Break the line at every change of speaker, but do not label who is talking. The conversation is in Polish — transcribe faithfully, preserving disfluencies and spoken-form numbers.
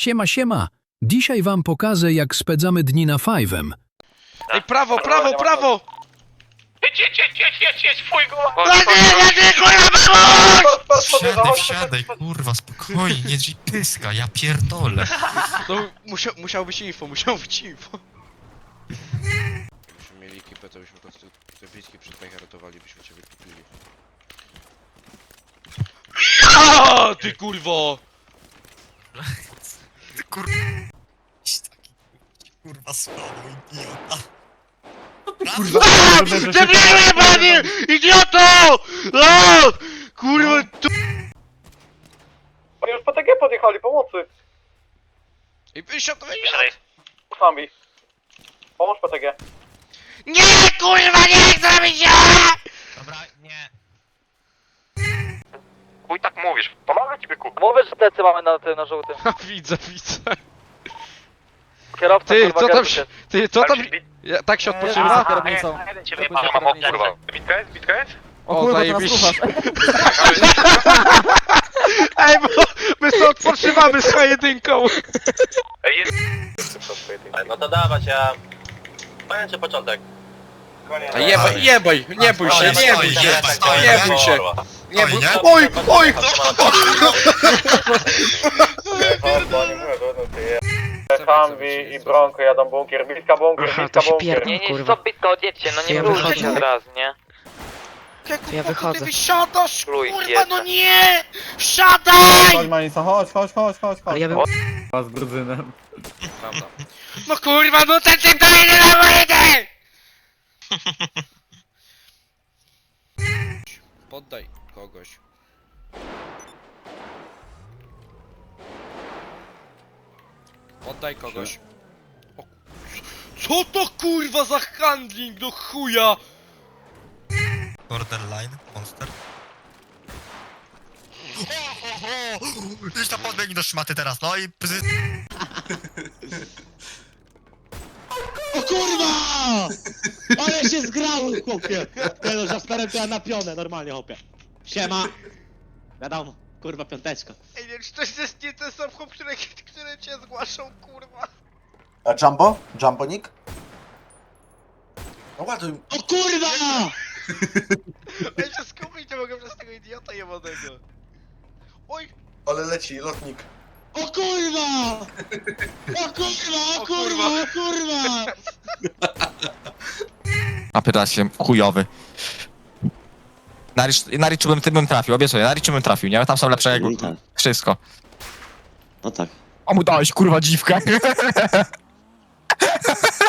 Siema, siema. Dzisiaj wam pokażę, jak spędzamy dni na Five'em.
Ej, prawo, prawo, prawo!
Jedź, jedź, jedź, jedź, jedź, jedź, fuj go!
Wsiadaj, wsiadaj, kurwa, spokojnie, nie drzyj pyska, ja pierdolę.
No, musiał, musiał być info, musiał być info. Gdybyśmy mieli ekipę, to byśmy po prostu te bliski przed bajka ratowali, byśmy cię wykupili. Aaaa, ty kurwo!
Ty kurwa... Taki kurwa słabo, idiota.
Kurwa! Debilnie, panie! Idioto! Aaa! Kurwa, tu...
Oni już po T G podjechali, pomocy!
Ej, wysiadł, wysiadł!
Sami. Pomóż P T G.
Nie, kurwa, nie chcę mi się!
Dobra, nie.
Chuj tak mówisz, pomogę ci byku.
Mówisz, że plecy mamy na tym, na żółtym.
Widzę, widzę.
Kierowca,
Ty,
kurwa,
co tam
gazu
się... Ty, co tam... Ja, tak się odpoczywa?
kierownicą.
Jeden cię wyjebałem, o kurwa. Bitka jest, bitka jest?
O, zajebiście. Ej, bo my sobie odpoczywamy z jedynką.
Ej, jest...
No to dawać, ja... Pamięcie początek.
A jebaj, jebaj, nie bój się, nie bój się, nie bój się. Nie bój...
Oj,
oj!
Fambi i Bronco jadą bunkier, bliska bunkier,
Aha,
bliska
to się
bunkier.
pierdol,
Nie, nie,
kurwa.
stop bitko, odjedźcie, no nie
Ja
próbujcie
wychodzę.
od razu, nie?
Ja wychodzę.
Ty wysiadasz,
Pluj,
kurwa,
jedno.
no nie! Wsiadaj!
Chodź Manisa, chodź, chodź, chodź, chodź,
Ale ja bym...
z brudzynem.
No kurwa, no ten typ daje na wojnę! Poddaj kogoś. Poddaj kogoś. O, co to kurwa za handling do chuja?
borderline, monster. Ho, ho, ho! Idź tam podbiegnij do szmaty teraz, no i... Psy...
O kurwa! Ale się zgrałem, chłopie! Nie no, za starem to ja na pionę, normalnie, chłopie. Siema! Wiadomo, kurwa, piąteczka.
Ej, nie, czy to jest nie ten sam chłop, który, który cię zgłaszał, kurwa?
A Jumbo? Jumbonik? No ładuj.
O kurwa!
Ej, się skupić, nie mogę przez tego idiota jebanego. Oj!
Ale leci, lotnik.
O kurwa! O kurwa, o kurwa, o kurwa!
A pyta się, chujowy. Na, Rich, na Richu bym, ty bym trafił, obiecuję, na Richu bym trafił, nie? Tam są lepsze jak...
No tak.
Wszystko.
No tak.
A mu dałeś, kurwa, dziwkę.